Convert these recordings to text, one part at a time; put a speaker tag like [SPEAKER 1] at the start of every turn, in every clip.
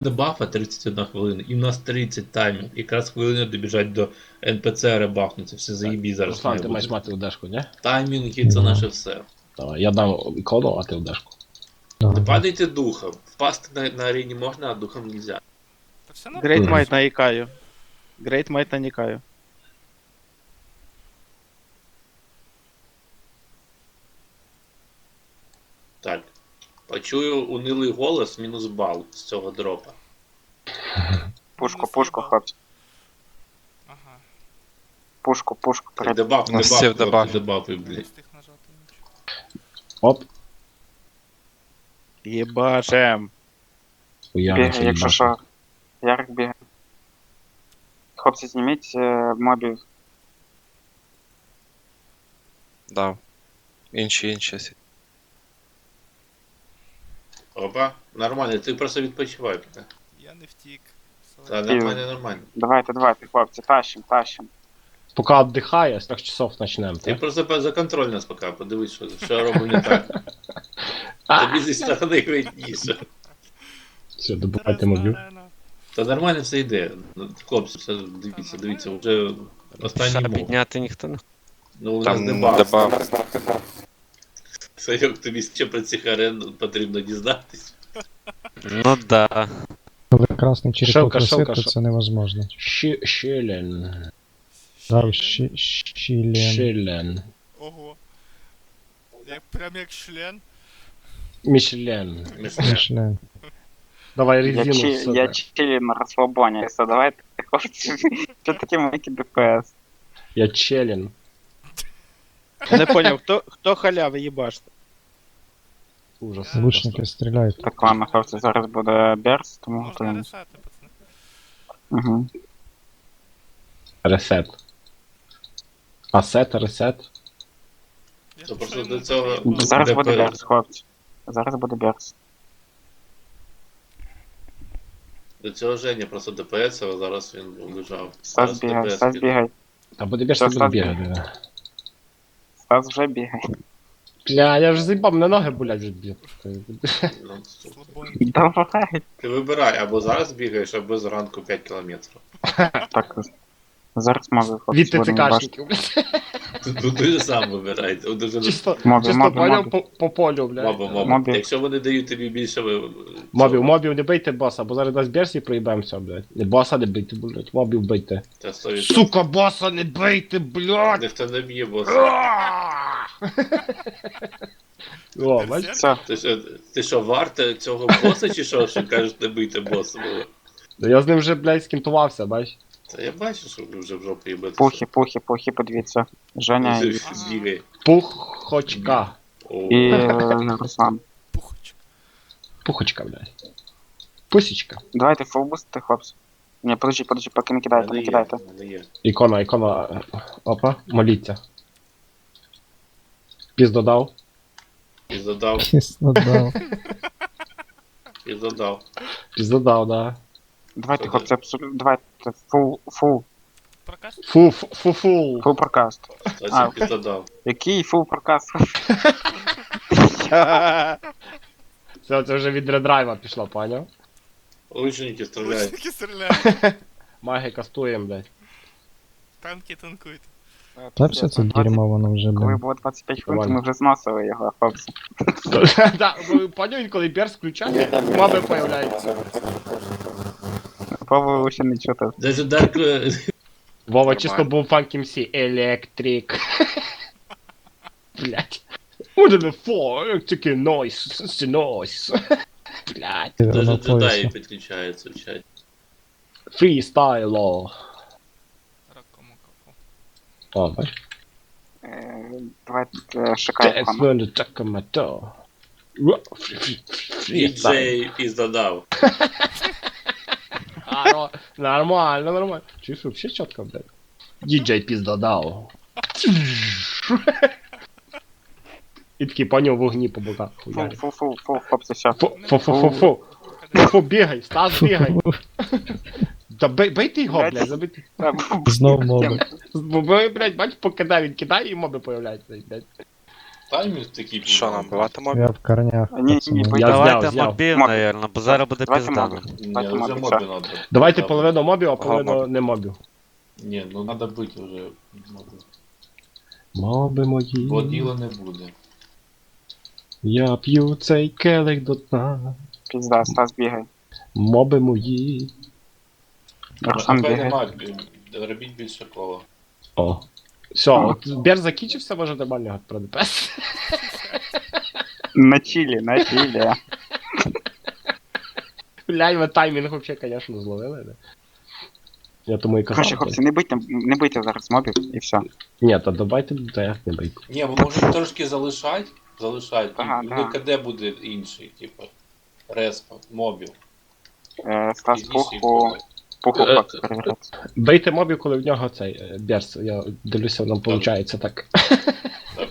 [SPEAKER 1] Дебафа 31 хвилина, і в нас 30 таймів. Якраз хвилину добіжать до НПЦ ребафнуться, все заїбі зараз.
[SPEAKER 2] Руслан,
[SPEAKER 1] має
[SPEAKER 2] ти
[SPEAKER 1] бути.
[SPEAKER 2] маєш мати удешку, не?
[SPEAKER 1] Таймінги це наше все.
[SPEAKER 2] Давай, я дам ікону, а ти удешку.
[SPEAKER 1] Не падайте духом. Впасти на арені можна, а духом нельзя.
[SPEAKER 3] Та все
[SPEAKER 4] Грейт
[SPEAKER 3] нормально.
[SPEAKER 4] Майт на Ікаю. Грейт Майт на Нікаю.
[SPEAKER 1] Так. Почую унилий голос, мінус бал з цього дропа.
[SPEAKER 5] Пушку, пушку, хлопці.
[SPEAKER 3] Ага,
[SPEAKER 5] Пушку, пушку.
[SPEAKER 1] Так, дебаф,
[SPEAKER 6] Насів
[SPEAKER 1] дебаф,
[SPEAKER 6] дебаф.
[SPEAKER 1] дебафи,
[SPEAKER 3] не
[SPEAKER 1] блядь.
[SPEAKER 3] встиг нажати нічого.
[SPEAKER 2] Оп,
[SPEAKER 4] Єбашем.
[SPEAKER 2] уявно,
[SPEAKER 5] Бігай, якщо що. Ярик бігає. Хлопці, зніміть мобів.
[SPEAKER 6] Дав. Інші.
[SPEAKER 1] Опа, нормально, ти просто відпочивай. бля.
[SPEAKER 3] Я не втік.
[SPEAKER 1] Та нормально.
[SPEAKER 5] Давайте, хлопці, тащим.
[SPEAKER 2] Поки віддихає, з 3 часов почнемо,
[SPEAKER 1] Ти
[SPEAKER 2] так?
[SPEAKER 1] просто за контроль нас поки, подивись, що я роблю не так. Тобі зі сторони видніше.
[SPEAKER 2] Все, добувайте мобів.
[SPEAKER 1] Та нормально все йде. Ну, хлопці, все, дивіться, вже останній
[SPEAKER 6] Ша
[SPEAKER 1] мов.
[SPEAKER 6] підняти ніхто не...
[SPEAKER 1] Ну, у нас
[SPEAKER 6] Там
[SPEAKER 1] дебаф.
[SPEAKER 6] дебаф.
[SPEAKER 1] Сайок, тобі ще про цих арен потрібно дізнатись.
[SPEAKER 6] Ну да.
[SPEAKER 7] Коли красний черепок
[SPEAKER 2] Шелка,
[SPEAKER 7] висить, то
[SPEAKER 2] шелка.
[SPEAKER 7] це невозможно.
[SPEAKER 2] Щелен.
[SPEAKER 7] Дав щілен.
[SPEAKER 2] Щелен.
[SPEAKER 3] Ого. Прям як член.
[SPEAKER 2] Мішлен.
[SPEAKER 7] Щілен.
[SPEAKER 2] Давай
[SPEAKER 5] Я
[SPEAKER 2] резину, сука.
[SPEAKER 5] чилі на розслабоні. Все, давайте, хлопці. Що таке маленький ДПС?
[SPEAKER 2] Я челен.
[SPEAKER 4] Я не поняв, хто халяви їбаште?
[SPEAKER 2] Ужас.
[SPEAKER 7] Лучники стріляють.
[SPEAKER 5] Так, ладно, хлопці, зараз буде берс, тому
[SPEAKER 3] Можна
[SPEAKER 5] готуємось.
[SPEAKER 3] рішати, пацани.
[SPEAKER 5] Угу.
[SPEAKER 2] Ресет. Асет, ресет.
[SPEAKER 3] Я
[SPEAKER 1] Це
[SPEAKER 3] пішов
[SPEAKER 1] просто
[SPEAKER 3] йому
[SPEAKER 1] до цього-
[SPEAKER 3] потрібно.
[SPEAKER 5] Зараз
[SPEAKER 1] Де
[SPEAKER 5] буде
[SPEAKER 1] перед?
[SPEAKER 5] берс, хлопці. Зараз буде берс.
[SPEAKER 1] До цього Женя просто ДПС, а зараз він лежав.
[SPEAKER 5] Стас бігай,
[SPEAKER 1] ДПС
[SPEAKER 5] Стас
[SPEAKER 1] піде.
[SPEAKER 5] бігай.
[SPEAKER 2] Та буде більше буде бігати.
[SPEAKER 5] Стас вже бігає.
[SPEAKER 2] Бля, я вже заїбав, мене ноги болять вже б'є.
[SPEAKER 1] Ну,
[SPEAKER 3] Слабонький.
[SPEAKER 5] Давай.
[SPEAKER 1] ти вибирай, або зараз бігаєш, або зранку 5 кілометрів.
[SPEAKER 5] Так, зараз можу, хлопці,
[SPEAKER 2] Від
[SPEAKER 5] будемо бачити.
[SPEAKER 2] ТЦКшників, блядь.
[SPEAKER 1] Тут ти сам вибирай. Дуже
[SPEAKER 2] Чисто,
[SPEAKER 5] Мобі,
[SPEAKER 2] чисто
[SPEAKER 5] мобі,
[SPEAKER 2] поняв
[SPEAKER 5] мобі.
[SPEAKER 2] по полю, блядь.
[SPEAKER 1] мобів.
[SPEAKER 5] Мобів.
[SPEAKER 1] Якщо вони дають тобі більше
[SPEAKER 2] Мобів, не бийте боса, бо зараз дасть берсі і проїбемося, блядь. Не боса не бийте, блядь, мобів бийте.
[SPEAKER 1] Та 100%.
[SPEAKER 2] Сука, боса не бийте, блядь!
[SPEAKER 1] Ніхто не б'є бос.
[SPEAKER 2] О, бачиш?
[SPEAKER 5] Все,
[SPEAKER 1] Ти що, варте цього боса чи що кажеш не бийте боса?
[SPEAKER 2] Ну, я з ним вже, блядь, скінтувався, бачиш?
[SPEAKER 1] Та я бачу, що ви вже в жопу їбете.
[SPEAKER 5] пухи, подивіться. Женя
[SPEAKER 1] Збігай.
[SPEAKER 2] Пухочка.
[SPEAKER 5] і Руслан.
[SPEAKER 3] Пухочка.
[SPEAKER 2] Пухочка, блядь. Пусічка.
[SPEAKER 5] Давайте фулбусти, хлопці. Ні, подожди, поки не кидайте, не кидайте.
[SPEAKER 2] Ікона. Опа, моліться. Піздодав.
[SPEAKER 1] Піздодав,
[SPEAKER 7] Кісно дав.
[SPEAKER 1] піздодав.
[SPEAKER 2] Піздодав, да.
[SPEAKER 5] Давайте, хлопці, абсолютно, давайте, фул
[SPEAKER 3] Прокаст?
[SPEAKER 2] Фу-фул.
[SPEAKER 5] прокаст.
[SPEAKER 1] Хтось піздодав.
[SPEAKER 5] Який фул прокаст?
[SPEAKER 2] Це вже від редрайва пішло, поняв?
[SPEAKER 1] Лучники стріляють.
[SPEAKER 3] Лучники стріляють.
[SPEAKER 2] Маги кастуємо, блядь.
[SPEAKER 3] Танки танкують.
[SPEAKER 7] Та все це дерьмо воно вже,
[SPEAKER 5] Коли
[SPEAKER 7] блін.
[SPEAKER 5] було 25 хвилин, то
[SPEAKER 2] Нормально.
[SPEAKER 5] ми вже зносили його, хлопці.
[SPEAKER 2] Да, поняв, він коли берс включає, моби появляються.
[SPEAKER 5] Пробували ще не чути.
[SPEAKER 1] Даже Дарк...
[SPEAKER 2] Вова чисто був фанк МС. Електрик. Блядь. What the fuck? Таке нойс. Це нойс. Блядь.
[SPEAKER 1] Даже
[SPEAKER 7] На
[SPEAKER 1] джедаї
[SPEAKER 7] поясі.
[SPEAKER 1] підключаються в чаті.
[SPEAKER 2] Фрістайло.
[SPEAKER 3] Ракому капу.
[SPEAKER 2] О, бач.
[SPEAKER 5] Давайте шукайте
[SPEAKER 2] That's
[SPEAKER 5] вам.
[SPEAKER 2] when the Takamoto.
[SPEAKER 1] Діджей піздодав.
[SPEAKER 2] Нормально. Чуєш, вообще чітко, блядь. Діджей піздодав. І такий поняв вогні по боках. хуярить.
[SPEAKER 5] Фул, хлопці, все.
[SPEAKER 2] Фу, бігай, Стас, бігай. Та бейте його, блядь, забити.
[SPEAKER 7] Знов моби.
[SPEAKER 2] Бо, блядь, бач, покидає, він кидає і моби появляються, блядь.
[SPEAKER 1] Таймінг такий.
[SPEAKER 6] Що нам, бивати мобі?
[SPEAKER 7] Я в корнях.
[SPEAKER 5] Ні,
[SPEAKER 7] пацани.
[SPEAKER 5] ні,
[SPEAKER 2] Я
[SPEAKER 6] Давайте
[SPEAKER 2] зняв.
[SPEAKER 6] мобів,
[SPEAKER 5] Мобі.
[SPEAKER 6] наверно, бо зараз буде
[SPEAKER 5] Давайте
[SPEAKER 6] піздано.
[SPEAKER 5] мобі.
[SPEAKER 1] Ні,
[SPEAKER 5] Давайте
[SPEAKER 1] вже
[SPEAKER 5] мобі,
[SPEAKER 1] мобі
[SPEAKER 5] все.
[SPEAKER 1] надо.
[SPEAKER 2] Давайте
[SPEAKER 1] Там-
[SPEAKER 2] половину мобів, а
[SPEAKER 6] Ага,
[SPEAKER 2] половину
[SPEAKER 6] мобі.
[SPEAKER 2] не мобів.
[SPEAKER 1] Ні, ну треба бити вже моби.
[SPEAKER 2] Моби мої.
[SPEAKER 1] Бо діла не буде.
[SPEAKER 2] Я п'ю цей келих до дна.
[SPEAKER 5] Пізда, Стас бігай.
[SPEAKER 2] Моби мої.
[SPEAKER 5] Руслан
[SPEAKER 1] Напевне,
[SPEAKER 5] бігай.
[SPEAKER 1] мать, робіть більше кола.
[SPEAKER 2] О. Все, от Бер закінчився, може нормально про ДПС.
[SPEAKER 5] На чилі, на чилі.
[SPEAKER 2] Блядь, ви таймінг вообще, конечно, зловили, да? Я тому і
[SPEAKER 5] Короче,
[SPEAKER 2] казав.
[SPEAKER 5] хлопці, не бийте зараз мобів і все.
[SPEAKER 2] Ні, то давайте, та як не бийку.
[SPEAKER 1] Ні, ви можете трошки залишати,
[SPEAKER 5] Ага,
[SPEAKER 1] і
[SPEAKER 5] да.
[SPEAKER 1] ВКД буде інший, типу, респа, мобів.
[SPEAKER 5] Стас
[SPEAKER 1] Пізніше їх
[SPEAKER 5] пуху
[SPEAKER 1] буде.
[SPEAKER 5] хлопці перевіряти.
[SPEAKER 2] Бийте мобів, коли в нього цей Берс. Я дивлюся, нам виходить так.
[SPEAKER 1] Так.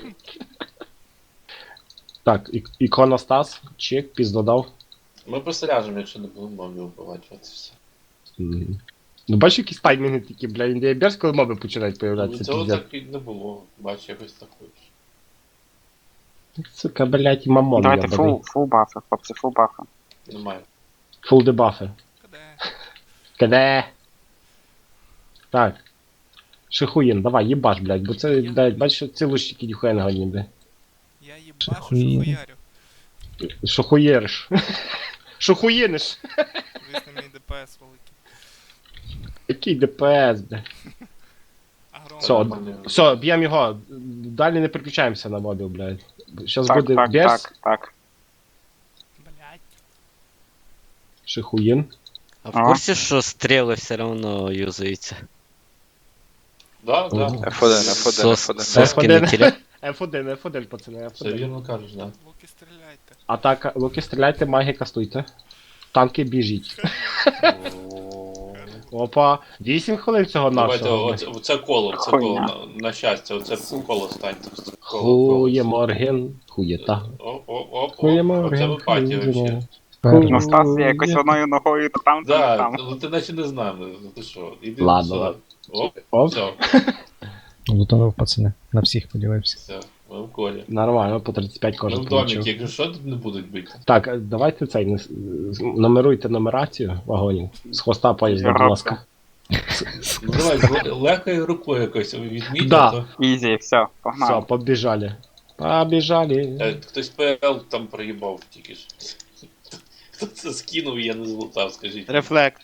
[SPEAKER 2] Так, іконостас, чек, піздодав.
[SPEAKER 1] Ми просто ляжемо, якщо не будемо мобів вбивати, от і все.
[SPEAKER 2] Ну бачиш, якісь таймінги такі, бля, індія Берс, коли моби починають
[SPEAKER 1] Ну,
[SPEAKER 2] появлятися,
[SPEAKER 1] цього
[SPEAKER 2] піздець.
[SPEAKER 1] так і не було, бач, якось так хочеш.
[SPEAKER 2] Сука, блядь, і мамон
[SPEAKER 5] Давайте
[SPEAKER 2] ябаний.
[SPEAKER 5] фул бафи, хлопці, фул бафи.
[SPEAKER 1] Немає.
[SPEAKER 2] Фул дебафи.
[SPEAKER 3] Куди?
[SPEAKER 2] Каде? Так. Шихуїн, давай, їбаш, блядь, бо це, блядь, бачиш, ці лущики ніхуя не годні, блядь.
[SPEAKER 3] Я їбашу,
[SPEAKER 7] Шахуїн.
[SPEAKER 3] шахуярю.
[SPEAKER 2] Шухуєриш. Шухуїниш.
[SPEAKER 3] Звісно, мій ДПС великий.
[SPEAKER 2] Який ДПС, блядь.
[SPEAKER 3] Агром.
[SPEAKER 2] Все,
[SPEAKER 1] Нормально.
[SPEAKER 2] все, б'ємо його. Далі не переключаємося на мобіл, блядь. Щас
[SPEAKER 5] Так,
[SPEAKER 2] буде
[SPEAKER 5] так,
[SPEAKER 2] Берс,
[SPEAKER 5] так.
[SPEAKER 3] Блять.
[SPEAKER 2] Шихуїн.
[SPEAKER 6] А в курсі, що стріли все одно юзаються?
[SPEAKER 1] Да, да.
[SPEAKER 6] Сос-
[SPEAKER 4] F1.
[SPEAKER 6] Соски на тілі.
[SPEAKER 2] F1, F1, пацани,
[SPEAKER 1] Все
[SPEAKER 2] F1.
[SPEAKER 1] вірно кажеш, да.
[SPEAKER 3] Луки стріляйте.
[SPEAKER 2] Атака, луки стріляйте, маги кастуйте. Танки біжіть. Опа, 8 хвилин цього
[SPEAKER 1] Давайте,
[SPEAKER 2] нашого.
[SPEAKER 1] оце коло, це
[SPEAKER 5] Хуйня.
[SPEAKER 1] коло, на щастя, оце коло станьте.
[SPEAKER 2] Хує Морген, хуєта.
[SPEAKER 1] Оп,
[SPEAKER 2] Хує
[SPEAKER 1] оце
[SPEAKER 2] Морген,
[SPEAKER 1] випаті вообще.
[SPEAKER 2] хує.
[SPEAKER 5] Ну, Стас є якось одною ногою то там, то не
[SPEAKER 1] Да,
[SPEAKER 5] там.
[SPEAKER 1] ну ти наче не знаємо, ну ти що, іди
[SPEAKER 2] Ладно,
[SPEAKER 1] сюди.
[SPEAKER 2] ладно.
[SPEAKER 1] Оп,
[SPEAKER 2] Оп.
[SPEAKER 1] все,
[SPEAKER 7] Лутанув, пацани. На всіх поділився.
[SPEAKER 1] все, ми в колі.
[SPEAKER 2] Нормально, по 35
[SPEAKER 1] Ми
[SPEAKER 2] кожен
[SPEAKER 1] в доміки,
[SPEAKER 2] получив.
[SPEAKER 1] якщо що, тут не будуть бити.
[SPEAKER 2] Так, давайте цей, нумеруйте нумерацію вагонів. З хвоста поїзда, будь ласка.
[SPEAKER 1] Ну давай, легкою рукою якось відміть,
[SPEAKER 2] Да.
[SPEAKER 1] а то
[SPEAKER 5] Ізі, все,
[SPEAKER 2] Все,
[SPEAKER 5] погнали.
[SPEAKER 2] побіжали. Побіжали.
[SPEAKER 1] хтось ПЛ там проїбав тільки ж. Хто це скинув, я не злутав, скажіть.
[SPEAKER 4] Рефлект.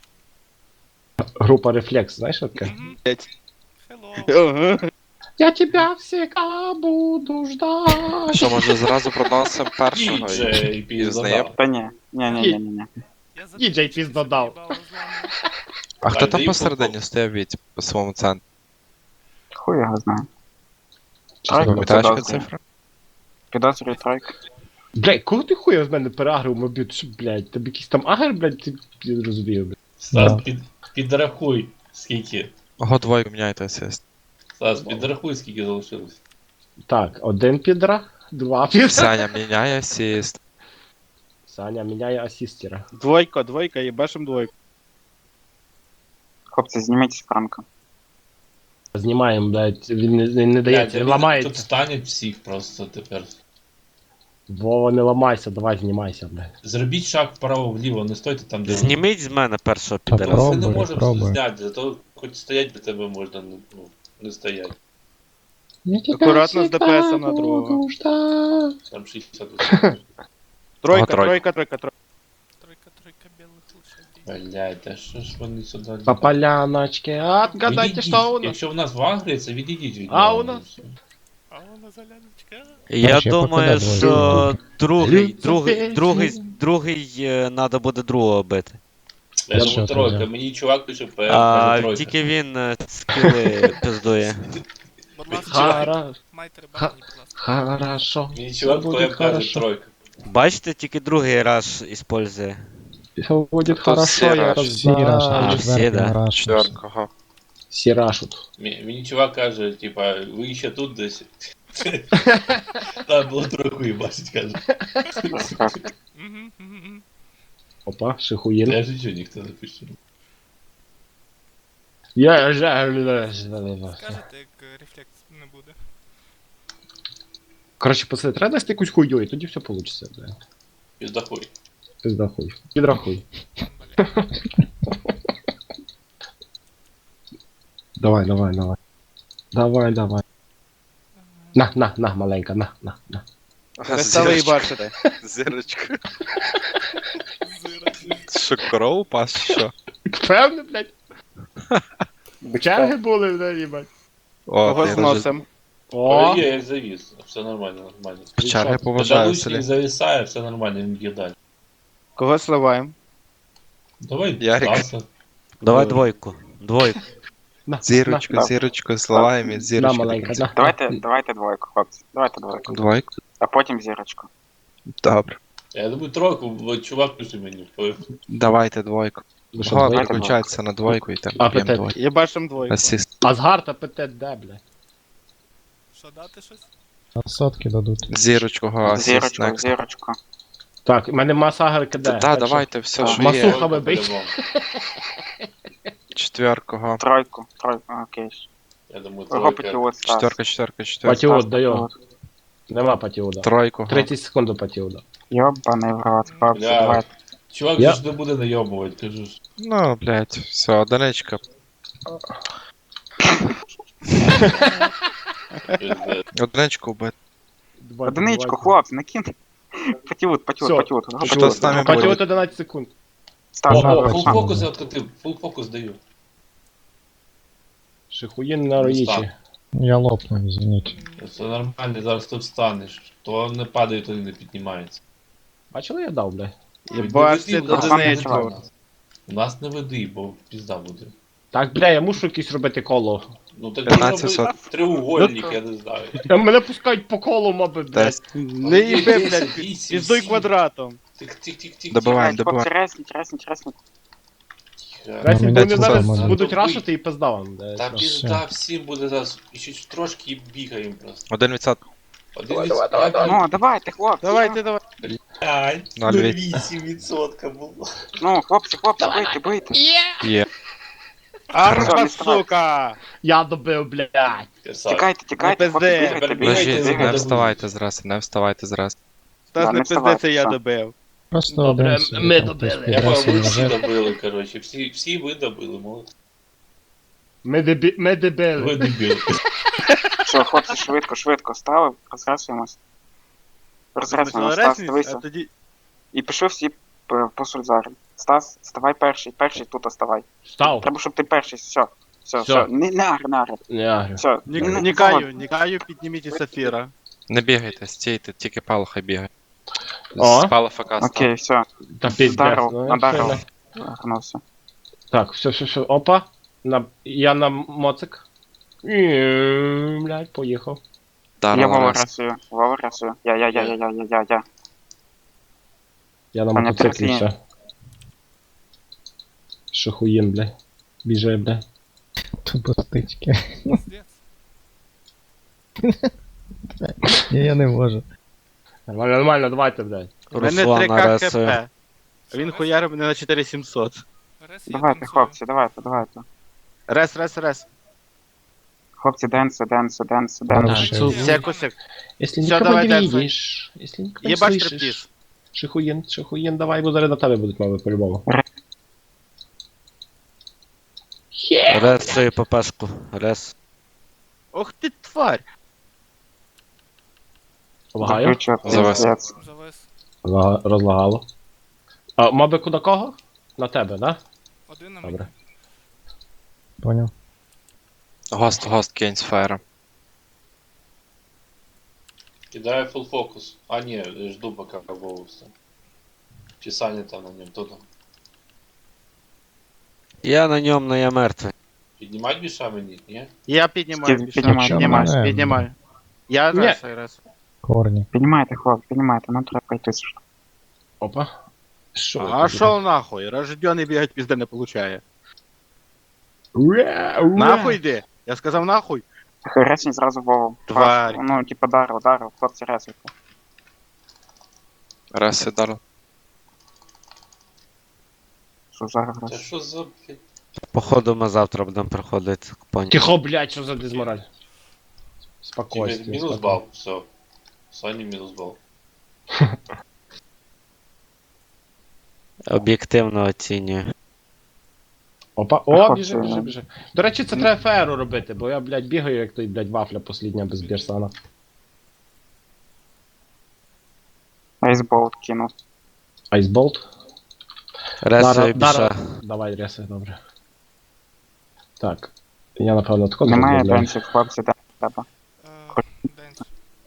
[SPEAKER 2] Група Рефлекс, знаєш що таке?
[SPEAKER 3] Hello.
[SPEAKER 2] Я тебя всегда буду ждать.
[SPEAKER 6] Що, може зразу проносимо першого
[SPEAKER 1] Діджей,
[SPEAKER 6] і
[SPEAKER 1] пізда.
[SPEAKER 6] знаємо?
[SPEAKER 5] Та ні, ні.
[SPEAKER 3] Я за
[SPEAKER 2] Діджей
[SPEAKER 3] тебе
[SPEAKER 2] пізда
[SPEAKER 3] щось
[SPEAKER 2] дав.
[SPEAKER 3] їбало зламав.
[SPEAKER 6] А хто
[SPEAKER 1] Так,
[SPEAKER 6] там
[SPEAKER 1] дай
[SPEAKER 6] посередині
[SPEAKER 1] попов.
[SPEAKER 6] стояв від по своєму центру?
[SPEAKER 5] Хуй його знає.
[SPEAKER 2] Чесно,
[SPEAKER 5] Так,
[SPEAKER 6] Пам'ятаєш яка
[SPEAKER 5] підозрюю.
[SPEAKER 6] цифра?
[SPEAKER 5] Підозрюю тройка.
[SPEAKER 2] Блядь, кого ти хуя з мене переагрив, мабуть, що, блядь, тобі якийсь там агр, блядь, ти не розумію, блядь.
[SPEAKER 1] Стас,
[SPEAKER 7] Да.
[SPEAKER 1] підрахуй, скільки.
[SPEAKER 6] Ого, двойку міняйте асист.
[SPEAKER 1] Стас, підрахуй, скільки залишилось.
[SPEAKER 2] Так, 1 підра, 2 підра.
[SPEAKER 6] Саня міняє асист.
[SPEAKER 2] Саня міняє асістера.
[SPEAKER 4] Двойка, їбашим двойку.
[SPEAKER 5] Хлопці, зніміть з Франка.
[SPEAKER 2] Знімаємо, блядь, він не дається, він
[SPEAKER 1] Тут
[SPEAKER 2] ламається.
[SPEAKER 1] стануть всіх просто тепер.
[SPEAKER 2] Вова, не ламайся, давай знімайся, блядь.
[SPEAKER 1] Зробіть шаг вправо-вліво, не стойте там, де
[SPEAKER 6] Зніміть з мене першого
[SPEAKER 7] Та
[SPEAKER 6] підера.
[SPEAKER 1] Ми не
[SPEAKER 7] Пробуй,
[SPEAKER 1] можемо
[SPEAKER 7] пробуй.
[SPEAKER 1] зняти, зато хоч стоять до тебе можна, ну, не стоять.
[SPEAKER 4] Акуратно з ДПС на другого.
[SPEAKER 1] Там 60
[SPEAKER 4] Тройка,
[SPEAKER 6] тройка.
[SPEAKER 4] тройка.
[SPEAKER 3] Тройка білих лошадей.
[SPEAKER 1] Блядь, та що ж вони сюди?
[SPEAKER 2] По поляночке, отгадайте,
[SPEAKER 1] Відійдіть.
[SPEAKER 2] що у нас.
[SPEAKER 1] Якщо в нас в Агрі, це відійдіть від
[SPEAKER 2] А
[SPEAKER 1] нього,
[SPEAKER 2] у нас?
[SPEAKER 1] і все.
[SPEAKER 3] А вона заляночка.
[SPEAKER 6] Я
[SPEAKER 7] Короче, я
[SPEAKER 6] думаю,
[SPEAKER 7] покидаю
[SPEAKER 6] що другий
[SPEAKER 2] Люцифер.
[SPEAKER 6] треба буде другого бити.
[SPEAKER 1] Я
[SPEAKER 2] Я
[SPEAKER 1] думаю,
[SPEAKER 7] що,
[SPEAKER 1] тройка,
[SPEAKER 7] тоді?
[SPEAKER 1] мені чувак пише ПМ,
[SPEAKER 6] А
[SPEAKER 1] каже тройка.
[SPEAKER 6] тільки він скіли пиздує.
[SPEAKER 3] Будь ласка,
[SPEAKER 2] Хара,
[SPEAKER 3] майте рибані, будь ласка.
[SPEAKER 2] хорошо.
[SPEAKER 1] Мені чувак
[SPEAKER 2] Все буде
[SPEAKER 1] ПМ каже
[SPEAKER 2] хорошо.
[SPEAKER 1] тройка.
[SPEAKER 6] Бачите, тільки другий раз іспользує.
[SPEAKER 2] Все будет
[SPEAKER 6] Тут
[SPEAKER 2] хорошо,
[SPEAKER 6] всі
[SPEAKER 2] я
[SPEAKER 6] раш.
[SPEAKER 7] Всі раш,
[SPEAKER 6] А, всі, да.
[SPEAKER 7] раш.
[SPEAKER 6] Четвертого.
[SPEAKER 2] Всі рашут.
[SPEAKER 1] Мені чувак каже, типа, ви ще тут десь. Там було тройку і бачить, каже.
[SPEAKER 3] Мгм.
[SPEAKER 2] Опа, шихуїн.
[SPEAKER 1] Я ж нічого ніхто не пише.
[SPEAKER 2] Я
[SPEAKER 3] Скажете, як рефлекс не буде.
[SPEAKER 2] Коротше, пацани, треба дасти якусь хуйню, і тоді все вийде, блядь.
[SPEAKER 1] Піздахуй.
[SPEAKER 2] Пиздахуй. Підрахуй.
[SPEAKER 3] Бля.
[SPEAKER 2] Давай, давай, давай. Давай, давай. На, маленька, на.
[SPEAKER 4] Перестали їбачити.
[SPEAKER 8] Зірочка.
[SPEAKER 3] Зира.
[SPEAKER 8] Що, коров пас, чи що?
[SPEAKER 2] Певно, блядь. Черги були, блядь, їбать.
[SPEAKER 8] О,
[SPEAKER 4] Кого
[SPEAKER 8] ти
[SPEAKER 4] зносим?
[SPEAKER 2] О,
[SPEAKER 1] Є, як завіс. Все нормально, нормально.
[SPEAKER 8] Черги поважаю
[SPEAKER 1] Педалучник
[SPEAKER 8] селі.
[SPEAKER 1] зависає, все нормально, він б'є далі.
[SPEAKER 4] Кого сливаємо?
[SPEAKER 1] Давай,
[SPEAKER 8] Ярик.
[SPEAKER 1] Стаса.
[SPEAKER 6] Давай двойку. Двойку.
[SPEAKER 2] на,
[SPEAKER 8] Зірочку,
[SPEAKER 2] на,
[SPEAKER 8] зірочку, зливаємо і
[SPEAKER 2] на,
[SPEAKER 8] зірочку.
[SPEAKER 2] маленька, на.
[SPEAKER 5] Давайте двойку, хлопці. Давайте двойку.
[SPEAKER 8] Двойку?
[SPEAKER 5] А потім зірочку.
[SPEAKER 8] Добре.
[SPEAKER 1] Я думаю, тройку, бо чувак пише мені.
[SPEAKER 8] Давайте двойку.
[SPEAKER 2] Ви що,
[SPEAKER 8] Год
[SPEAKER 2] двоє?
[SPEAKER 8] виключається на двойку і там
[SPEAKER 2] А,
[SPEAKER 8] б'ємо
[SPEAKER 2] ПТ.
[SPEAKER 8] двойку.
[SPEAKER 4] Їбашим двойку.
[SPEAKER 8] Асист.
[SPEAKER 2] Азгард АПТ де, блядь?
[SPEAKER 3] Що дати щось?
[SPEAKER 7] А сотки дадуть.
[SPEAKER 8] Зірочку, го, асист,
[SPEAKER 5] Зірочку,
[SPEAKER 8] next.
[SPEAKER 5] зірочку.
[SPEAKER 2] Так, у мене масага КД.
[SPEAKER 8] Так, давайте, все, що є.
[SPEAKER 2] Масуха вибить.
[SPEAKER 8] Четверку, го.
[SPEAKER 5] Тройку, окей.
[SPEAKER 1] Я думаю,
[SPEAKER 5] Кого
[SPEAKER 1] тройка.
[SPEAKER 5] потіло Стас?
[SPEAKER 8] Четверка.
[SPEAKER 2] Патіот даю. Нема патіода.
[SPEAKER 8] Тройку, го.
[SPEAKER 2] 30 секунд до патіода.
[SPEAKER 5] Йобаний в рот, хлопці,
[SPEAKER 1] Бля.
[SPEAKER 5] давайте.
[SPEAKER 1] Чувак
[SPEAKER 2] Я-
[SPEAKER 1] же ж не буде найобувати, кажу ж.
[SPEAKER 8] Ну, блядь, все, одиничка.
[SPEAKER 1] Пиздець.
[SPEAKER 8] Одиничку вбити.
[SPEAKER 5] Одиничку, хлопці, накинь. Патіот,
[SPEAKER 2] Всё.
[SPEAKER 5] патіот.
[SPEAKER 8] Що з нами буде?
[SPEAKER 2] Патіот 11 секунд.
[SPEAKER 5] Стас,
[SPEAKER 7] Ага,
[SPEAKER 1] О,
[SPEAKER 7] точно.
[SPEAKER 1] фул фокус я откатив, фул фокус даю.
[SPEAKER 2] Шихуєн на роїчі.
[SPEAKER 7] Я лопну, извините.
[SPEAKER 1] Це нормально, зараз ти встанеш. То не падає, то і не піднімається.
[SPEAKER 2] Бачили, я дав, блядь?
[SPEAKER 4] Їбаште
[SPEAKER 1] Не веди, у нас не
[SPEAKER 4] одиничку.
[SPEAKER 1] веди. У нас не веди, бо пізда буде.
[SPEAKER 2] Так, бля, я мушу якесь робити коло.
[SPEAKER 1] Ну так
[SPEAKER 8] 1500.
[SPEAKER 1] роби треугольник, я не знаю.
[SPEAKER 2] Мене пускають по колу, моби, блядь.
[SPEAKER 8] Десь.
[SPEAKER 4] Не їби, блядь,
[SPEAKER 1] Вісім,
[SPEAKER 4] піздуй
[SPEAKER 1] сім.
[SPEAKER 4] квадратом.
[SPEAKER 1] Тих-тих-тих-тих.
[SPEAKER 8] Добиваємо,
[SPEAKER 5] хлопці,
[SPEAKER 8] добиваємо.
[SPEAKER 5] резніть.
[SPEAKER 2] Ресінь,
[SPEAKER 7] мені
[SPEAKER 2] вони
[SPEAKER 8] це
[SPEAKER 2] зараз
[SPEAKER 8] саме.
[SPEAKER 2] будуть рашити і пизда вам.
[SPEAKER 1] Та
[SPEAKER 2] блядь.
[SPEAKER 1] пізда всім буде зараз. І ще трошки і бігаємо просто.
[SPEAKER 8] 1%.
[SPEAKER 5] Ну, давайте, хлопці.
[SPEAKER 4] Давайте.
[SPEAKER 1] 5,
[SPEAKER 8] 0,8.
[SPEAKER 1] було.
[SPEAKER 5] Ну, хлопці, бийте.
[SPEAKER 8] Є.
[SPEAKER 4] Арба,
[SPEAKER 5] не вставай.
[SPEAKER 4] сука!
[SPEAKER 2] Я добив, блядь.
[SPEAKER 5] Тікайте,
[SPEAKER 4] Не
[SPEAKER 5] хлопці,
[SPEAKER 4] пизди.
[SPEAKER 5] бігайте,
[SPEAKER 1] Бігайте,
[SPEAKER 8] Лежіть,
[SPEAKER 1] бігайте.
[SPEAKER 8] не вставайте зразу, не вставайте зразу.
[SPEAKER 4] Стас,
[SPEAKER 5] Да,
[SPEAKER 4] не
[SPEAKER 5] не
[SPEAKER 4] пизди,
[SPEAKER 5] вставай,
[SPEAKER 4] це я
[SPEAKER 5] все.
[SPEAKER 4] добив.
[SPEAKER 7] Просто
[SPEAKER 2] Добре,
[SPEAKER 7] один собі
[SPEAKER 2] ми
[SPEAKER 7] там
[SPEAKER 2] добили.
[SPEAKER 7] хтось
[SPEAKER 1] Я
[SPEAKER 7] підросив,
[SPEAKER 1] ви всі
[SPEAKER 7] лежить.
[SPEAKER 1] добили, коротше. Всі ви добили, молодці.
[SPEAKER 2] Ми дебили.
[SPEAKER 1] Ви дебіли.
[SPEAKER 5] Все, хлопці, швидко ставив, розресуємось. Розресуємось, Стас, дивися.
[SPEAKER 4] А тоді...
[SPEAKER 5] І пішли всі по Сульзарі. Стас, ставай перший тут оставай.
[SPEAKER 2] Став.
[SPEAKER 5] Треба, щоб ти перший, все.
[SPEAKER 2] Всё.
[SPEAKER 5] Все. Не агр.
[SPEAKER 2] Не агрю.
[SPEAKER 5] Все.
[SPEAKER 4] Нікаю, підніміть і Сафіра.
[SPEAKER 8] Не бігайте, стійте, тільки Пало хай бігає.
[SPEAKER 2] О.
[SPEAKER 8] З Пало ФК став.
[SPEAKER 5] Окей, все.
[SPEAKER 2] Та піздець.
[SPEAKER 5] Даров,
[SPEAKER 2] ну,
[SPEAKER 5] надаров.
[SPEAKER 2] все,
[SPEAKER 5] Агрнувся.
[SPEAKER 2] Так, все. Опа. Я на моцик. Блядь, поїхав.
[SPEAKER 5] Я
[SPEAKER 8] Даром
[SPEAKER 5] Вова
[SPEAKER 8] раз.
[SPEAKER 5] ресую. Я.
[SPEAKER 2] Я на
[SPEAKER 5] Паня,
[SPEAKER 2] мотоциклі
[SPEAKER 5] трясі.
[SPEAKER 2] все. Шихуєн, блядь. Біжи, блядь.
[SPEAKER 7] Тупо стички.
[SPEAKER 3] Пиздец.
[SPEAKER 7] Ні, я не можу.
[SPEAKER 2] Нормально, давайте, блядь.
[SPEAKER 4] У мене
[SPEAKER 6] Руслан
[SPEAKER 4] 3К
[SPEAKER 6] нарисує.
[SPEAKER 4] хп. А він хуярив мене на 4700.
[SPEAKER 3] Рес, я
[SPEAKER 5] Давайте,
[SPEAKER 3] танцюю.
[SPEAKER 5] хлопці, давайте.
[SPEAKER 4] Рес.
[SPEAKER 5] Хлопці, денси.
[SPEAKER 7] Ладно,
[SPEAKER 2] Що?
[SPEAKER 7] ще.
[SPEAKER 4] Секусик.
[SPEAKER 2] Если
[SPEAKER 4] Всё,
[SPEAKER 2] никого
[SPEAKER 4] давай,
[SPEAKER 2] не
[SPEAKER 4] Дэнса.
[SPEAKER 2] видишь, если никого не
[SPEAKER 4] Єбаш
[SPEAKER 2] слышишь.
[SPEAKER 4] стриптиз.
[SPEAKER 2] Шихуєн, давай, бо зараз на тебе будуть мови по-любому.
[SPEAKER 6] Рес свою ППшку. Рес.
[SPEAKER 4] Ох ти тварь.
[SPEAKER 2] Лагаю?
[SPEAKER 5] Заключу,
[SPEAKER 8] Завис.
[SPEAKER 5] пиздец.
[SPEAKER 3] Завис.
[SPEAKER 2] Розлагало. А моби куди кого? На тебе, да?
[SPEAKER 3] Один на
[SPEAKER 2] Добре.
[SPEAKER 3] мені.
[SPEAKER 7] Поняв.
[SPEAKER 8] Гост кинь з фаєром.
[SPEAKER 1] Кидаю фул фокус. А ні, жду пока Вову все. Чи Саня там на ньому, то там.
[SPEAKER 6] Я на ньому, но я мертвий.
[SPEAKER 1] Піднімать біша мені, ні?
[SPEAKER 4] Я піднімаю.
[SPEAKER 5] Піднімай.
[SPEAKER 4] Я
[SPEAKER 2] Ні.
[SPEAKER 4] рес.
[SPEAKER 7] Корні.
[SPEAKER 5] Піднімайте, хлопці, піднімайте, нам треба йти.
[SPEAKER 2] Опа. Що?
[SPEAKER 4] А шо нахуй? Рождений бігать пізде не получає.
[SPEAKER 2] Ура!
[SPEAKER 4] Нахуй йди. Я сказав нахуй.
[SPEAKER 5] Ресень зразу Вову.
[SPEAKER 4] Тварь.
[SPEAKER 5] Ну, типа дарив, хлопці ресуйте.
[SPEAKER 8] Раз і дало.
[SPEAKER 5] Що зараз
[SPEAKER 1] Та
[SPEAKER 5] рес?
[SPEAKER 1] що за, блядь?
[SPEAKER 6] Походу ми завтра будемо приходити. Поняв.
[SPEAKER 2] Тихо, блядь, що за дезмораль?
[SPEAKER 1] Тебе
[SPEAKER 2] Спокойствие.
[SPEAKER 1] мінус бал, все. Сані мінус бал.
[SPEAKER 6] Об'єктивно оцінюю.
[SPEAKER 2] Опа, о,
[SPEAKER 5] Хлопці,
[SPEAKER 2] біжи, біжи,
[SPEAKER 5] ну.
[SPEAKER 2] біжи. До речі, це треба феру робити, бо я, блядь, бігаю, як той, блядь, вафля послідня без бірсана.
[SPEAKER 5] Айсболт кинув.
[SPEAKER 2] Айсболт?
[SPEAKER 6] Ресою біша.
[SPEAKER 2] Давай, реси, добре. Так. Я, напевно, тако
[SPEAKER 5] Немає
[SPEAKER 2] зроблю.
[SPEAKER 5] денсів, хлопці, де треба.
[SPEAKER 3] Денс.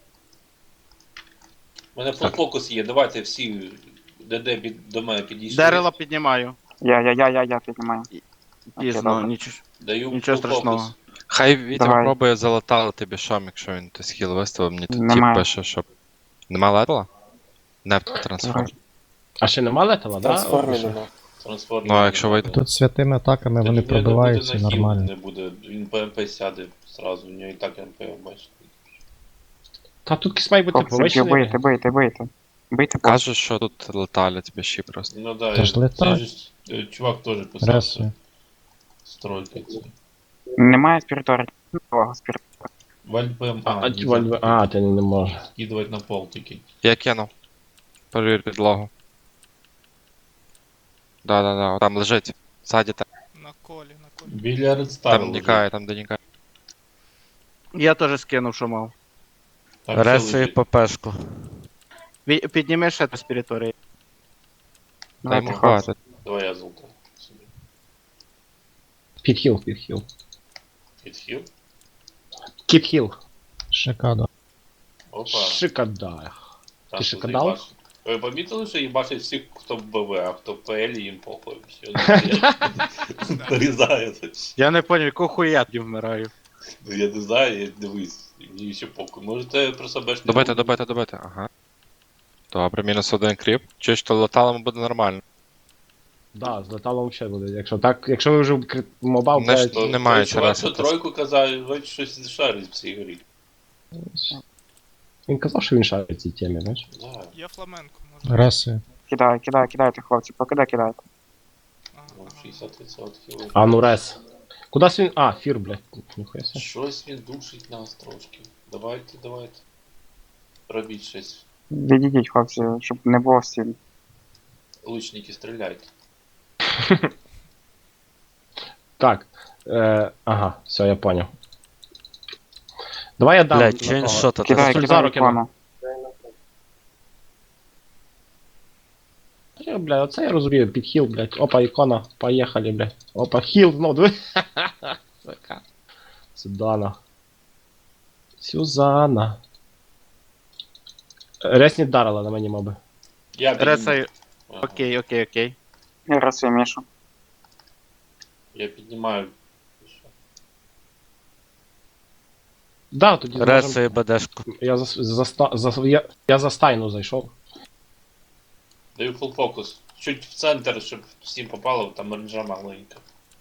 [SPEAKER 1] У мене фокус є, давайте всі до мене підійшли.
[SPEAKER 4] Дерева піднімаю.
[SPEAKER 5] Я піднімаю.
[SPEAKER 4] Пізно,
[SPEAKER 5] добре.
[SPEAKER 1] Даю
[SPEAKER 4] нічого
[SPEAKER 1] full
[SPEAKER 4] страшного.
[SPEAKER 1] фокус.
[SPEAKER 8] Хай Вітя
[SPEAKER 5] Давай.
[SPEAKER 8] пробує залатати бішом, якщо він то схіл виставив, мені тут тіп
[SPEAKER 5] Немає.
[SPEAKER 8] пише, щоб... Нема летала? Не трансформ.
[SPEAKER 2] А ще нема летала, да?
[SPEAKER 1] Трансформер.
[SPEAKER 7] Ну,
[SPEAKER 8] Ну, а якщо вийде?
[SPEAKER 7] Тут святими атаками вони пробиваються нормально.
[SPEAKER 1] Не буде, він ПМП сяде зразу, у нього і так МП, бачите.
[SPEAKER 2] Та тут якийсь має бути
[SPEAKER 5] Хлопці,
[SPEAKER 2] повищений.
[SPEAKER 5] бийте. Бийте,
[SPEAKER 8] Каже, що тут леталять біші просто.
[SPEAKER 1] Ну да,
[SPEAKER 7] Та ж летать.
[SPEAKER 1] цей же чувак теж писав.
[SPEAKER 7] Ресою.
[SPEAKER 1] Стройка це.
[SPEAKER 5] Немає спіритора. Нового спіритора.
[SPEAKER 1] Вальпем,
[SPEAKER 2] Ти не можеш.
[SPEAKER 1] скидувати на пол тільки.
[SPEAKER 8] Я кинув. Перевір підлогу. Да, там лежить. Ззаді там.
[SPEAKER 3] На колі.
[SPEAKER 1] Біля редстару.
[SPEAKER 8] Там нікає, там де нікає.
[SPEAKER 4] Я теж скинув, що мав.
[SPEAKER 6] Ресою ППшку.
[SPEAKER 4] Підніми ще до спіріторії.
[SPEAKER 8] Та йому
[SPEAKER 5] Давайте, хлопці.
[SPEAKER 8] хватить.
[SPEAKER 1] Давай я золото. собі.
[SPEAKER 2] Підхіл.
[SPEAKER 1] Підхил.
[SPEAKER 2] Кітхіл.
[SPEAKER 7] Шикадо.
[SPEAKER 1] Опа.
[SPEAKER 2] Шикада.
[SPEAKER 1] Там
[SPEAKER 2] Ти
[SPEAKER 1] що
[SPEAKER 2] шикадал?
[SPEAKER 1] заїбашить. Ви помітили, що їбашить всіх, хто в БВ, а хто в ПЛ їм похуй. Все, нарізають.
[SPEAKER 4] Я не поняв, якого хуя я тоді вмираю.
[SPEAKER 1] Ну я не знаю, я дивись, мені ще похуй. Може це просто беш не
[SPEAKER 8] Добити. Ага. Добре, мінус один кріп. Чуєш, що леталому буде нормально.
[SPEAKER 2] Да, з леталом взагалі буде. Якщо ви вже мобав,
[SPEAKER 8] Не ж-
[SPEAKER 2] блядь,
[SPEAKER 8] Немає
[SPEAKER 1] той чувак,
[SPEAKER 8] чого
[SPEAKER 1] що тройку казав, він щось шарить в цій грі.
[SPEAKER 2] він казав, що він шарить в цій темі, знаєш?
[SPEAKER 1] Да.
[SPEAKER 3] Є фламенко, може.
[SPEAKER 7] Ресою.
[SPEAKER 5] Кидайте, хлопці, поки кидайте.
[SPEAKER 3] Ага,
[SPEAKER 1] Ну,
[SPEAKER 3] ага.
[SPEAKER 1] 60%
[SPEAKER 2] А ну рес. Кудись він. А, фір, блядь. Ніхуя себе.
[SPEAKER 1] Щось він душить нас трошки. Давайте. Робіть щось.
[SPEAKER 5] Відійдіть, хлопці, щоб не було всі.
[SPEAKER 1] Лучники, стріляйте.
[SPEAKER 2] Так. Ага, все, я понял. Давай я дам.
[SPEAKER 6] Блядь, чи він що то?
[SPEAKER 5] Кидай
[SPEAKER 2] Сульзару кину.
[SPEAKER 5] ікону.
[SPEAKER 2] Бля, оце я розумію, підхіл, блядь. Опа, ікона, поїхали, блядь. Опа, хіл, знов, диви. Сука. Сюзанна. Ресні дарила на мені, моби.
[SPEAKER 1] Я
[SPEAKER 4] Ресаю.
[SPEAKER 1] Ага.
[SPEAKER 4] Окей.
[SPEAKER 5] Я рисую Мішу.
[SPEAKER 1] Я піднімаю.
[SPEAKER 2] Да, тоді зможем...
[SPEAKER 6] Ресою БДшку.
[SPEAKER 2] Я за стайну зайшов.
[SPEAKER 1] Даю full фокус. Чуть в центр, щоб всім попало, там ренджа маленька.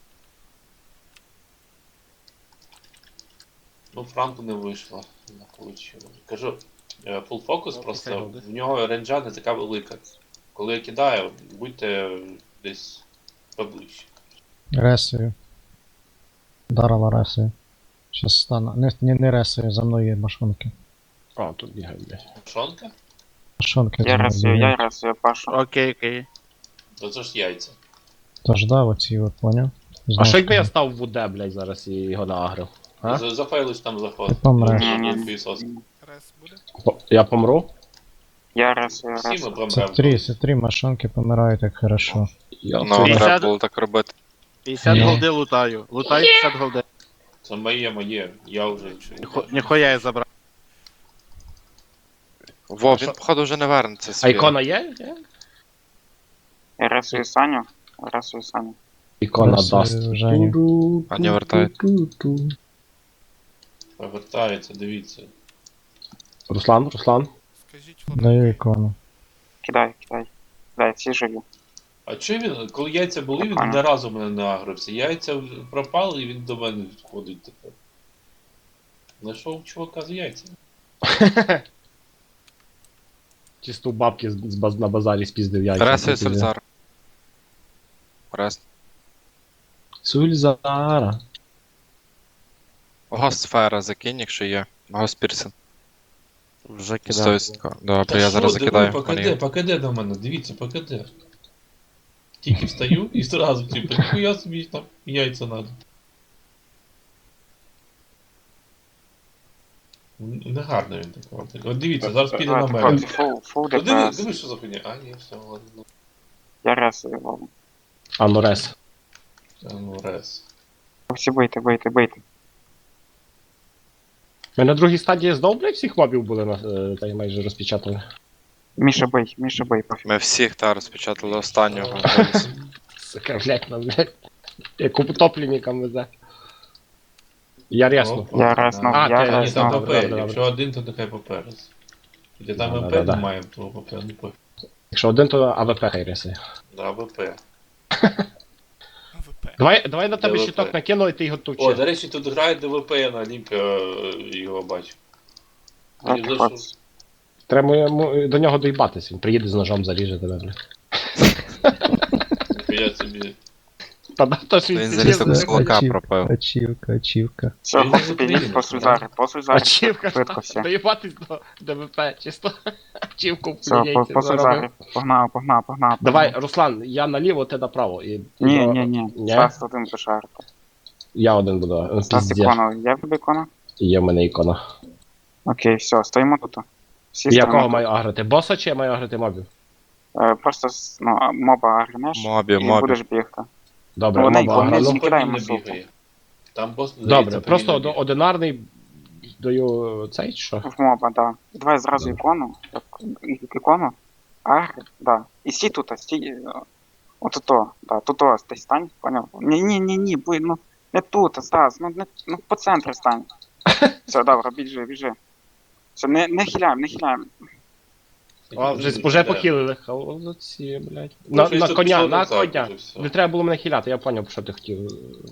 [SPEAKER 1] Ну, Франку не вийшло. Не получило. Кажу, full фокус просто, в нього ренджа не така велика. Коли я кидаю, будьте десь поближче.
[SPEAKER 7] Ресою. Дарила ресою. Щас стану. Не ресою, за мною є машинки.
[SPEAKER 2] А, тут бігає, блядь.
[SPEAKER 1] Шонка?
[SPEAKER 7] Машинки
[SPEAKER 5] Я
[SPEAKER 7] за мною бігають.
[SPEAKER 5] рисую Пашу.
[SPEAKER 4] Окей.
[SPEAKER 1] То це ж яйця.
[SPEAKER 7] Тож да, оці от, поняв?
[SPEAKER 2] А що якби я став в УД, блядь, зараз і його наагрив? А?
[SPEAKER 1] Зафейлиш там заход.
[SPEAKER 7] Ти помреш.
[SPEAKER 3] Рес буде?
[SPEAKER 2] Я помру?
[SPEAKER 5] Я рисую.
[SPEAKER 1] Всі ми
[SPEAKER 7] Це
[SPEAKER 1] помремо.
[SPEAKER 7] три машинки помирають так хорошо.
[SPEAKER 2] Я
[SPEAKER 8] Ну,
[SPEAKER 2] це-
[SPEAKER 4] 50.
[SPEAKER 8] треба було так робити.
[SPEAKER 4] 50
[SPEAKER 7] Ні.
[SPEAKER 4] голди лутаю. Лутай 50 голди.
[SPEAKER 1] Це моє. Я вже
[SPEAKER 4] Ніхуя я забрав.
[SPEAKER 8] Во, він походу вже не вернеться
[SPEAKER 2] А
[SPEAKER 8] свій.
[SPEAKER 2] ікона є?
[SPEAKER 5] Я рисую Саню.
[SPEAKER 2] Ікона
[SPEAKER 7] Ресою
[SPEAKER 2] даст.
[SPEAKER 7] Женю.
[SPEAKER 8] А не вертає.
[SPEAKER 1] повертається, дивіться.
[SPEAKER 2] Руслан?
[SPEAKER 3] Скажіть
[SPEAKER 7] Даю
[SPEAKER 3] фламенко.
[SPEAKER 7] ікону.
[SPEAKER 5] Кидай. Дай, всі живі.
[SPEAKER 1] А чи він, коли яйця були, він
[SPEAKER 5] Ага.
[SPEAKER 1] не разу мене не агрився. Яйця пропали і він до мене ходить тепер. Знайшов чувака з яйцями.
[SPEAKER 2] Чисто у бабки на базарі спіздив яйця.
[SPEAKER 8] Ресою Сульзар. Рес.
[SPEAKER 2] Сульзара.
[SPEAKER 8] Ого, сфера закинь, якщо є. Ого, Спірсен.
[SPEAKER 6] Вже кидав.
[SPEAKER 8] 100%. Добре,
[SPEAKER 1] Та
[SPEAKER 8] я
[SPEAKER 1] що,
[SPEAKER 8] зараз
[SPEAKER 1] диви,
[SPEAKER 8] закидаю.
[SPEAKER 1] покиде до мене, дивіться, покиде. Тільки встаю і зразу, типу, ніхуя собі там яйця надо. Негарно він такого. От дивіться, зараз піде на мене.
[SPEAKER 5] Хлопці, фул
[SPEAKER 1] Диви,
[SPEAKER 5] ДПС.
[SPEAKER 1] диви, що за хуйня. А, ні, все, ладно.
[SPEAKER 5] Я ресую Вову.
[SPEAKER 2] А ну рес.
[SPEAKER 1] Та ну рез.
[SPEAKER 5] Хлопці, бийте.
[SPEAKER 2] Ми на другій стадії знов, блядь, всіх мобів були та й майже розпечатали.
[SPEAKER 5] Міша, бий, пофіг.
[SPEAKER 8] Ми всіх та розпечатали останнього.
[SPEAKER 2] Сука, блядь, нам, блядь. Як утопленникам везе. Я рясно.
[SPEAKER 5] Я резнув,
[SPEAKER 2] А,
[SPEAKER 5] я
[SPEAKER 2] ти-
[SPEAKER 1] Ні,
[SPEAKER 2] Ні,
[SPEAKER 5] резнув.
[SPEAKER 1] там
[SPEAKER 2] добре,
[SPEAKER 1] ПП,
[SPEAKER 2] добре,
[SPEAKER 1] якщо один, то нехай ПП раз. Якщо там
[SPEAKER 2] Да,
[SPEAKER 1] МП
[SPEAKER 2] да, да.
[SPEAKER 1] немає, то ПП не пофіг.
[SPEAKER 2] Якщо один, то АВП хай рясає.
[SPEAKER 1] Да, ВП.
[SPEAKER 3] АВП.
[SPEAKER 2] Давай на тебе
[SPEAKER 1] ДВП.
[SPEAKER 2] щиток накину, і ти його
[SPEAKER 1] О,
[SPEAKER 2] туче.
[SPEAKER 1] до речі, тут грає ДВП, я на лімпі його бачу.
[SPEAKER 5] Давайте,
[SPEAKER 1] Мені
[SPEAKER 5] хлопці.
[SPEAKER 2] Треба йому до нього доїбатись, він приїде з ножом, заріже тебе, блядь.
[SPEAKER 1] Я собі.
[SPEAKER 2] Та да, то ж
[SPEAKER 8] Він
[SPEAKER 2] він
[SPEAKER 8] заліз
[SPEAKER 2] серйозно.
[SPEAKER 8] до кулака пропив.
[SPEAKER 7] Ачівка.
[SPEAKER 5] Все,
[SPEAKER 1] Він
[SPEAKER 5] хлопці,
[SPEAKER 1] не
[SPEAKER 5] підніть
[SPEAKER 1] Україна,
[SPEAKER 5] посуль зараз,
[SPEAKER 2] Ачівка,
[SPEAKER 5] швидко все.
[SPEAKER 2] доїбатись до ДВП, чисто. Ачівку
[SPEAKER 5] Все,
[SPEAKER 2] яйця
[SPEAKER 5] посуль
[SPEAKER 2] заробив.
[SPEAKER 5] зараз. Погнав.
[SPEAKER 2] Давай, Руслан, я наліво, ти направо. І...
[SPEAKER 5] Ні.
[SPEAKER 2] Ні?
[SPEAKER 5] Стас один пошарити.
[SPEAKER 2] Я один буду.
[SPEAKER 5] Стас
[SPEAKER 2] Піздєш.
[SPEAKER 5] ікона, є в тебе ікона?
[SPEAKER 2] Є в мене ікона.
[SPEAKER 5] Окей, все, стоїмо тут. Всі
[SPEAKER 2] Я
[SPEAKER 5] стоїмо
[SPEAKER 2] кого
[SPEAKER 5] тут.
[SPEAKER 2] маю агрити? Боса чи я маю агрити мобів?
[SPEAKER 5] Просто моба агренеш
[SPEAKER 8] Мобі,
[SPEAKER 5] і
[SPEAKER 8] мобі.
[SPEAKER 5] будеш бігти.
[SPEAKER 2] Добре,
[SPEAKER 5] Вони-
[SPEAKER 2] моба
[SPEAKER 5] вони
[SPEAKER 2] аграну.
[SPEAKER 5] всі- кидаємо
[SPEAKER 1] повільно
[SPEAKER 5] суку.
[SPEAKER 1] бігає. Там бос
[SPEAKER 2] Добре,
[SPEAKER 1] здається,
[SPEAKER 2] просто
[SPEAKER 1] повільно бігає.
[SPEAKER 2] одинарний даю цей чи що?
[SPEAKER 5] В моба, да. Давай зразу
[SPEAKER 2] Добре.
[SPEAKER 5] ікону. Ікону. Агр, да. І стій тут, стій. От-то, да, тут ти стань, поняв? Ні, ну не тут, Стас, ну по центру стань. Все, добре, біжи. Все, не хиляємо.
[SPEAKER 2] О, вже похилили. Холодці, блядь.
[SPEAKER 1] Ну,
[SPEAKER 2] На
[SPEAKER 1] щось тут
[SPEAKER 2] коня,
[SPEAKER 1] пішло
[SPEAKER 2] на
[SPEAKER 1] не так
[SPEAKER 2] коня.
[SPEAKER 1] вже все.
[SPEAKER 2] Не треба було мене хиляти, я поняв, що ти хотів.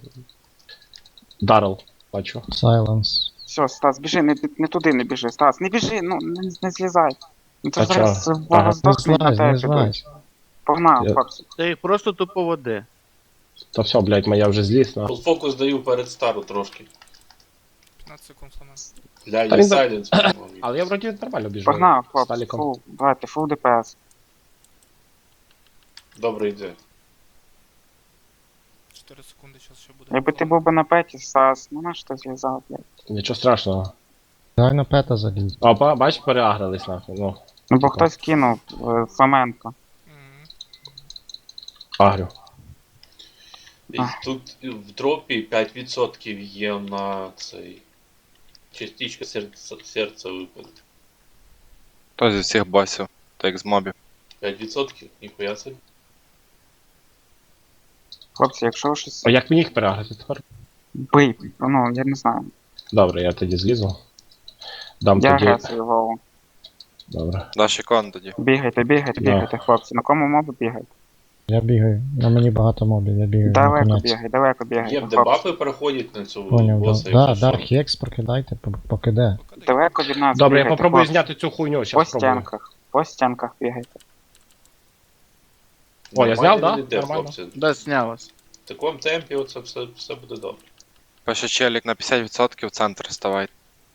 [SPEAKER 2] Дарил, бачу.
[SPEAKER 7] Сайленс.
[SPEAKER 5] Все, Стас, біжи, не туди не біжи. Стас, не біжи, ну не злізай. Ну це
[SPEAKER 2] А
[SPEAKER 5] зараз
[SPEAKER 2] чого?
[SPEAKER 5] Вова
[SPEAKER 2] Ага.
[SPEAKER 5] здохне на
[SPEAKER 7] Не
[SPEAKER 5] тебе
[SPEAKER 7] злазь.
[SPEAKER 5] підуть. Погнав,
[SPEAKER 2] Я-
[SPEAKER 5] хлопці.
[SPEAKER 4] Ти їх просто тупо води.
[SPEAKER 2] Та все, блядь, моя вже зліз на.
[SPEAKER 1] Фокус даю перед стару трошки.
[SPEAKER 3] 15 секунд сломав.
[SPEAKER 1] Для
[SPEAKER 2] Та
[SPEAKER 1] є
[SPEAKER 2] він за-
[SPEAKER 1] сайленс.
[SPEAKER 2] Але я вроді нормально біжу.
[SPEAKER 5] Погнав,
[SPEAKER 2] з
[SPEAKER 5] хлопці,
[SPEAKER 2] Таліком.
[SPEAKER 5] фул, давайте, фул ДПС.
[SPEAKER 1] Добре йде.
[SPEAKER 3] 4 секунди, зараз ще буде.
[SPEAKER 5] Якби ти був би на петі, Стас, ну на що ти злізав, блядь.
[SPEAKER 2] Нічого страшного.
[SPEAKER 7] Дай на пета заліз.
[SPEAKER 2] Опа, бач, переагрились нахуй. Ну,
[SPEAKER 5] Ну бо хтось кинув Фоменко.
[SPEAKER 3] Мгм.
[SPEAKER 2] агрю.
[SPEAKER 1] І тут в дропі 5% є на цей. Частичка серця випаде.
[SPEAKER 8] То зі всіх босів, так як з мобів.
[SPEAKER 1] 5%? Ніхуя собі.
[SPEAKER 5] Хлопці, якщо щось
[SPEAKER 2] А як мені їх переагрити тепер?
[SPEAKER 5] бий, ну я не знаю.
[SPEAKER 2] Добре, я тоді злізу. Дам
[SPEAKER 5] Я
[SPEAKER 2] тоді.
[SPEAKER 5] агресую Вову.
[SPEAKER 2] Добре.
[SPEAKER 8] Даш ікон тоді.
[SPEAKER 5] Бігайте, хлопці. На кому моби бігайте?
[SPEAKER 7] Я бігаю. На мені багато мобів, я бігаю. на
[SPEAKER 5] Далеко
[SPEAKER 7] конець.
[SPEAKER 5] далеко
[SPEAKER 1] Є
[SPEAKER 5] бігайте, хлопці.
[SPEAKER 1] дебафи переходять на цю
[SPEAKER 7] Поняв,
[SPEAKER 1] боса,
[SPEAKER 7] да.
[SPEAKER 1] якщо
[SPEAKER 7] Да,
[SPEAKER 1] що.
[SPEAKER 7] Хекс прокидайте, покиде.
[SPEAKER 3] Покидай.
[SPEAKER 5] Далеко від нас
[SPEAKER 2] Добре, я
[SPEAKER 5] бігайте,
[SPEAKER 2] попробую
[SPEAKER 5] хлопці.
[SPEAKER 2] зняти цю хуйню,
[SPEAKER 5] По
[SPEAKER 2] щас спробую.
[SPEAKER 5] стінках бігайте.
[SPEAKER 2] О, я
[SPEAKER 1] Нормально
[SPEAKER 2] зняв, да?
[SPEAKER 1] він іде,
[SPEAKER 2] Нормально.
[SPEAKER 1] хлопці.
[SPEAKER 4] Да, зняв вас.
[SPEAKER 1] В такому темпі оце все буде добре.
[SPEAKER 8] Пише челік на 50% в центр ставай.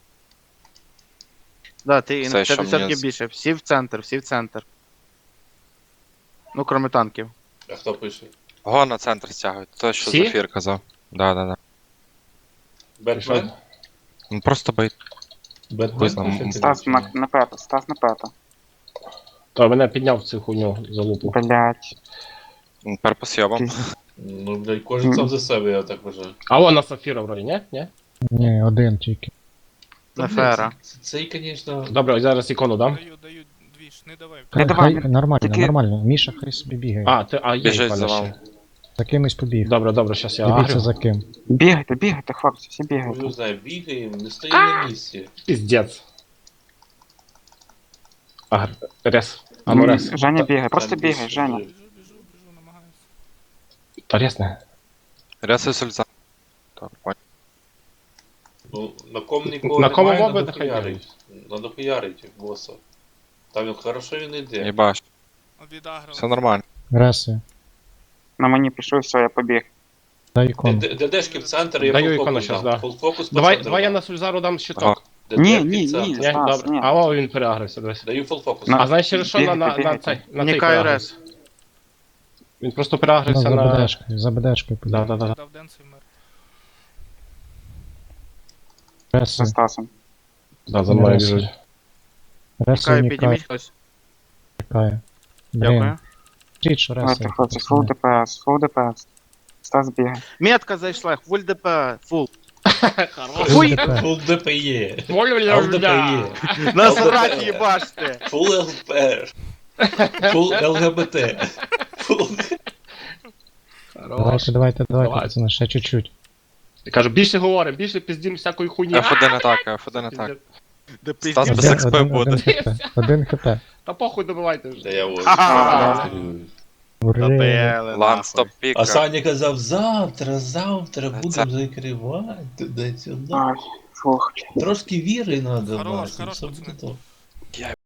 [SPEAKER 4] Да, ти і
[SPEAKER 8] Все,
[SPEAKER 4] на
[SPEAKER 8] що
[SPEAKER 4] 50%
[SPEAKER 8] мені
[SPEAKER 4] більше. Всі в центр. Ну, кроме танків.
[SPEAKER 1] А хто пише?
[SPEAKER 8] Го на центр стягують. То, що
[SPEAKER 2] Всі?
[SPEAKER 8] Зафір казав. Да.
[SPEAKER 1] Бетмен?
[SPEAKER 8] Ну просто бейт.
[SPEAKER 1] Бетмен
[SPEAKER 8] Визнав.
[SPEAKER 1] пише?
[SPEAKER 5] Стас на пета.
[SPEAKER 2] То мене підняв цю хуйню за лупу.
[SPEAKER 5] Блять.
[SPEAKER 8] Тепер по сйобам.
[SPEAKER 1] Ну, блядь, кожен сам за себе, я так вважаю.
[SPEAKER 2] А вон на Сафіра вроді, ні? Ні?
[SPEAKER 7] Ні, один тільки.
[SPEAKER 1] Та,
[SPEAKER 4] Нефера.
[SPEAKER 1] блядь, Цей, звісно...
[SPEAKER 2] Добре, зараз ікону дам.
[SPEAKER 3] Даю двіж, не давай.
[SPEAKER 5] Не давай,
[SPEAKER 7] Хай, нормально,
[SPEAKER 5] тільки-
[SPEAKER 7] нормально. Міша хай собі бігає.
[SPEAKER 2] А, є
[SPEAKER 8] Біжить
[SPEAKER 2] ікона
[SPEAKER 8] за
[SPEAKER 2] ще.
[SPEAKER 8] вами.
[SPEAKER 7] За кимось побіг.
[SPEAKER 2] Добре, щас я
[SPEAKER 7] Дивіться
[SPEAKER 2] агрю.
[SPEAKER 7] за ким.
[SPEAKER 5] Бігайте, хлопці, всі
[SPEAKER 1] Ну,
[SPEAKER 5] бігайте.
[SPEAKER 1] не знаю, бігаємо, не стоїмо на місці.
[SPEAKER 2] Піздець. Рес. А ну рес.
[SPEAKER 5] Женя бігає, просто
[SPEAKER 1] Там
[SPEAKER 5] бігай,
[SPEAKER 1] більше
[SPEAKER 5] Женя.
[SPEAKER 1] вже.
[SPEAKER 3] Біжу, намагаюся.
[SPEAKER 2] Та рес не.
[SPEAKER 8] Рясуй сульза. Так, понял.
[SPEAKER 1] Ну, на ком нікого
[SPEAKER 2] На кому
[SPEAKER 1] немає,
[SPEAKER 2] моби
[SPEAKER 1] надо
[SPEAKER 2] нехай
[SPEAKER 1] хуярить. Надо хуярить боса. Там він хорошо він йде.
[SPEAKER 8] Єбаш.
[SPEAKER 3] Відаграв.
[SPEAKER 8] Все нормально.
[SPEAKER 7] Реси.
[SPEAKER 5] На мені пішов, все, я побіг.
[SPEAKER 7] Дай ікону.
[SPEAKER 1] ДДшки в центр, я
[SPEAKER 2] Даю
[SPEAKER 1] full
[SPEAKER 2] ікону
[SPEAKER 1] фокус
[SPEAKER 2] щас,
[SPEAKER 1] дам.
[SPEAKER 2] да.
[SPEAKER 1] Full фокус по
[SPEAKER 2] Давай
[SPEAKER 1] центру
[SPEAKER 2] я
[SPEAKER 1] дам.
[SPEAKER 2] на Сульзару дам щиток.
[SPEAKER 8] Ага.
[SPEAKER 5] Ні,
[SPEAKER 1] Дерпі
[SPEAKER 5] ні,
[SPEAKER 1] центр.
[SPEAKER 5] ні.
[SPEAKER 2] Ні,
[SPEAKER 5] Стас,
[SPEAKER 2] добре.
[SPEAKER 5] ні.
[SPEAKER 2] Алло, він переагрився, дивись.
[SPEAKER 1] Даю фул фокус.
[SPEAKER 5] На-
[SPEAKER 2] А знаєш через що на
[SPEAKER 5] Бігайте,
[SPEAKER 2] цей на цей
[SPEAKER 4] Нікаю
[SPEAKER 2] переагрився?
[SPEAKER 4] рес.
[SPEAKER 2] Він просто
[SPEAKER 7] Ну,
[SPEAKER 2] переагрився
[SPEAKER 7] за
[SPEAKER 2] на...
[SPEAKER 7] БДшкою, за БДшкою
[SPEAKER 2] Да,
[SPEAKER 7] піде.
[SPEAKER 2] да, да.
[SPEAKER 3] Дав денс і вмер.
[SPEAKER 5] За
[SPEAKER 7] Ресую,
[SPEAKER 5] Стасом.
[SPEAKER 2] Да, за мною
[SPEAKER 7] Ресую.
[SPEAKER 2] біжуть.
[SPEAKER 7] ресую,
[SPEAKER 4] Нікаю,
[SPEAKER 7] нікаю,
[SPEAKER 4] підніміть хтось.
[SPEAKER 7] нікаю.
[SPEAKER 4] Дякую.
[SPEAKER 7] Блін, скажіть, що
[SPEAKER 5] Давайте,
[SPEAKER 7] ресую.
[SPEAKER 5] хлопці, фул ДПС, фул ДПС. Стас бігає.
[SPEAKER 4] Метка зайшла, фуль ДП, фул.
[SPEAKER 7] Фуй!
[SPEAKER 1] Фул ДПЄ. ЛДПЄ.
[SPEAKER 4] Насрать їбаште.
[SPEAKER 1] Фул ЛПР. Фул ЛГБТ. Фул...
[SPEAKER 7] Давайте,
[SPEAKER 2] Давай.
[SPEAKER 7] пацани, ще чуть-чуть.
[SPEAKER 2] Я кажу, більше говоримо, більше піздім всякої хуйні.
[SPEAKER 8] F1 атака, F1 атака.
[SPEAKER 4] Да
[SPEAKER 8] Стас
[SPEAKER 4] пиздец.
[SPEAKER 8] без XP буде.
[SPEAKER 7] Один хп.
[SPEAKER 2] Та похуй добивайте вже.
[SPEAKER 1] Та я ось.
[SPEAKER 4] Ага.
[SPEAKER 7] Ура.
[SPEAKER 4] Добили,
[SPEAKER 8] Лан, стоп
[SPEAKER 1] А
[SPEAKER 8] піка.
[SPEAKER 1] Саня казав, завтра
[SPEAKER 8] Це-
[SPEAKER 1] будемо закривати туди-сюди.
[SPEAKER 5] Ай, фух.
[SPEAKER 1] Трошки віри треба
[SPEAKER 3] Хорош,
[SPEAKER 1] мати,
[SPEAKER 3] хорош,
[SPEAKER 1] все
[SPEAKER 3] пацани.
[SPEAKER 1] буде то.